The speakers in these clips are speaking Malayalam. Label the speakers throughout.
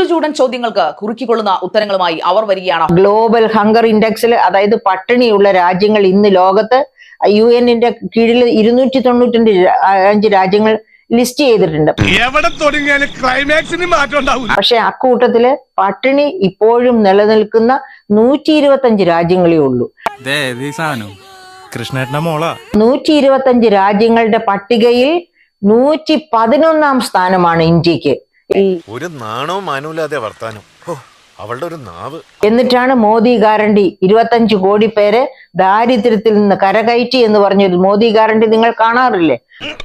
Speaker 1: ചൂടൻ ചോദ്യങ്ങൾക്ക് കുറുക്കിക്കൊള്ളുന്ന ഉത്തരങ്ങളുമായി അവർ വരികയാണ്.
Speaker 2: ഗ്ലോബൽ ഹങ്കർ ഇൻഡെക്സിൽ, അതായത് പട്ടിണിയുള്ള രാജ്യങ്ങൾ ഇന്ന് ലോകത്ത് UN-ന്റെ കീഴിൽ 295 രാജ്യങ്ങൾ ലിസ്റ്റ് ചെയ്തിട്ടുണ്ട്. പക്ഷെ അക്കൂട്ടത്തില് പട്ടിണി ഇപ്പോഴും നിലനിൽക്കുന്ന 125 രാജ്യങ്ങളേ ഉള്ളൂ. 125 രാജ്യങ്ങളുടെ പട്ടികയിൽ 111-ാം സ്ഥാനമാണ് ഇന്ത്യക്ക്.
Speaker 3: ഒരു നാണോ മാനൂലാതെ വർത്താനം, അവളുടെ ഒരു നാവ്.
Speaker 2: എന്നിട്ടാണ് മോദി ഗ്യാരണ്ടി 25 കോടി പേരെ ദാരിദ്ര്യത്തിൽ നിന്ന് കരകയറ്റി എന്ന് പറഞ്ഞൊരു മോദി ഗ്യാരണ്ടി നിങ്ങൾ കാണാറില്ലേ?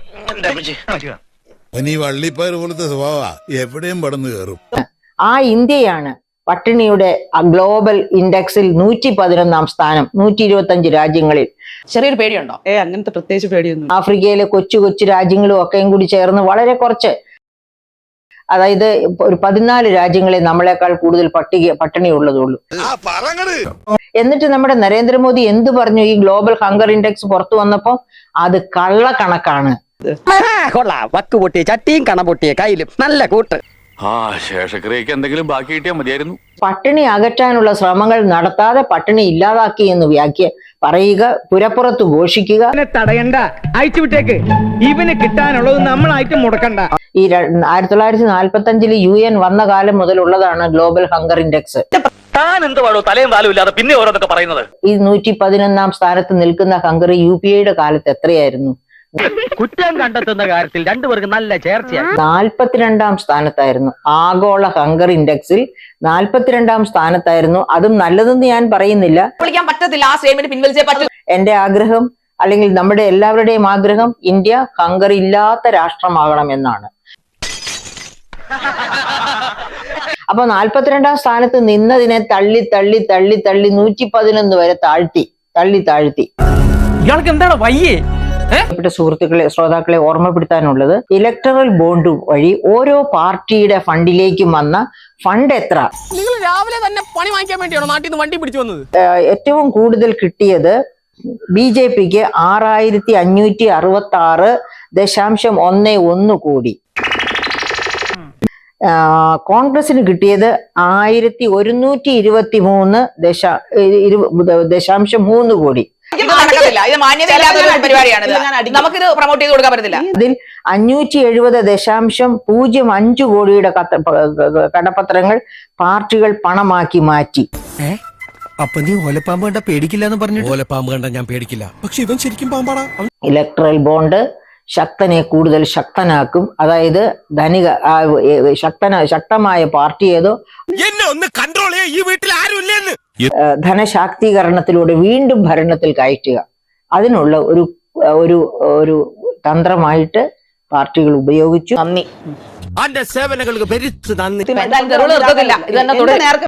Speaker 4: വള്ളിപ്പയർ പോലത്തെ സ്വഭാവ എവിടെയും പടന്നു കയറും.
Speaker 2: ആ ഇന്ത്യയാണ് പട്ടിണിയുടെ ഗ്ലോബൽ ഇൻഡെക്സിൽ 111-ാം സ്ഥാനം 125 രാജ്യങ്ങളിൽ.
Speaker 1: ചെറിയൊരു പേടിയുണ്ടോ?
Speaker 5: അങ്ങനത്തെ പ്രത്യേകിച്ച് പേടിയൊന്നും.
Speaker 2: ആഫ്രിക്കയിലെ കൊച്ചു കൊച്ചു രാജ്യങ്ങളും ഒക്കെയും കൂടി ചേർന്ന് വളരെ കുറച്ച്, അതായത് ഒരു 14 രാജ്യങ്ങളെ നമ്മളെക്കാൾ കൂടുതൽ പട്ടിണി ഉള്ളതുള്ളൂ. എന്നിട്ട് നമ്മുടെ നരേന്ദ്രമോദി എന്ത് പറഞ്ഞു? ഈ ഗ്ലോബൽ ഹങ്കർ ഇൻഡെക്സ് പുറത്തു വന്നപ്പോ അത് കള്ളക്കണക്കാണ്.
Speaker 6: വക്ക് പൊട്ടിയ ചട്ടിയും കണ പൊട്ടിയ കയ്യിലും നല്ല കൂട്ട്.
Speaker 3: ശേഷക്രിയക്ക് എന്തെങ്കിലും ബാക്കി കിട്ടിയാൽ മതിയായിരുന്നു.
Speaker 2: പട്ടിണി അകറ്റാനുള്ള ശ്രമങ്ങൾ നടത്താതെ പട്ടിണി ഇല്ലാതാക്കി എന്ന് പറയുക, പുരപ്പുറത്ത് ഘോഷിക്കുക.
Speaker 6: തടയണ്ട, അയച്ചുവിട്ടേക്ക്. ഇവന് കിട്ടാനുള്ളത് നമ്മളായിട്ട് മുടക്കണ്ട.
Speaker 2: ഈ 1945 UN വന്ന കാലം മുതലുള്ളതാണ് ഗ്ലോബൽ ഹങ്കർ ഇൻഡെക്സ്.
Speaker 6: താൻ എന്ത് പാടോ തലയും താലും ഇല്ലാതെ പിന്നെ ഓരോന്നൊക്കെ പറയുന്നത്?
Speaker 2: ഈ 111-ാം സ്ഥാനത്ത് നിൽക്കുന്ന ഹങ്കറി UPA-യുടെ കാലത്ത് എത്രയായിരുന്നു?
Speaker 6: കുറ്റം കണ്ടെത്തുന്ന കാര്യത്തിൽ രണ്ടുപേർക്ക് നല്ല ചേർച്ചയാണ്.
Speaker 2: 42-ാം സ്ഥാനത്തായിരുന്നു. ആഗോള ഹങ്കർ ഇൻഡെക്സിൽ 42-ാം സ്ഥാനത്തായിരുന്നു. അതും നല്ലതെന്ന് ഞാൻ പറയുന്നില്ല, എന്റെ ആഗ്രഹം, അല്ലെങ്കിൽ നമ്മുടെ എല്ലാവരുടെയും ആഗ്രഹം, ഇന്ത്യ ഹങ്കർ ഇല്ലാത്ത രാഷ്ട്രമാകണം എന്നാണ്. അപ്പൊ 42-ാം സ്ഥാനത്ത് നിന്നതിനെ തള്ളി തള്ളി തള്ളി തള്ളി 111 വരെ താഴ്ത്തി.
Speaker 6: ഇയാൾക്ക് എന്താണ് വയ്യേ?
Speaker 2: സുഹൃത്തുക്കളെ, ശ്രോതാക്കളെ ഓർമ്മപ്പെടുത്താനുള്ളത്, ഇലക്ടറൽ ബോണ്ട് വഴി ഓരോ പാർട്ടിയുടെ ഫണ്ടിലേക്കും വന്ന ഫണ്ട് എത്ര?
Speaker 7: നിങ്ങൾ രാവിലെ തന്നെ പണി വാങ്ങിക്കാൻ വേണ്ടിയാണോ നാട്ടിൽ നിന്ന് വണ്ടി പിടിച്ചു വന്നത്?
Speaker 2: ഏറ്റവും കൂടുതൽ കിട്ടിയത് BJPക്ക് 6566.11 കോടി. കോൺഗ്രസിന് കിട്ടിയത് 1123.3 കോടി.
Speaker 1: നമുക്കിത് പ്രൊമോട്ട് ചെയ്ത് കൊടുക്കാൻ പറ്റത്തില്ല.
Speaker 2: അതിൽ 570.05 കോടിയുടെ കടപ്പത്രങ്ങൾ പാർട്ടികൾ പണമാക്കി മാറ്റി.
Speaker 8: അപ്പൊ നീ ഓലപ്പാമ്പ് കണ്ട പേടിക്കില്ല എന്ന് പറഞ്ഞു? ഓലപ്പാമ്പ് കണ്ട ഞാൻ പേടിക്കില്ല, പക്ഷെ ഇവൻ ശരിക്കും പാമ്പാടാ.
Speaker 2: ഇലക്ട്രൽ ബോണ്ട് ശക്തനെ കൂടുതൽ ശക്തനാക്കും. അതായത് ശക്തമായ പാർട്ടി ഏതോ
Speaker 8: എന്നെ ഒന്ന് കൺട്രോൾ ചെയ്യാ, ഈ വീട്ടിൽ ആരുമില്ലെന്ന്.
Speaker 2: ധനശാക്തീകരണത്തിലൂടെ വീണ്ടും ഭരണത്തിൽ കയറ്റുക, അതിനുള്ള ഒരു തന്ത്രമായിട്ട് പാർട്ടികൾ ഉപയോഗിച്ചു.
Speaker 1: നന്ദി.
Speaker 8: അന്റെ സേവനങ്ങൾക്ക് ഭരിച്ചു നന്ദി.
Speaker 1: ഇത് തന്നെ തുടരും.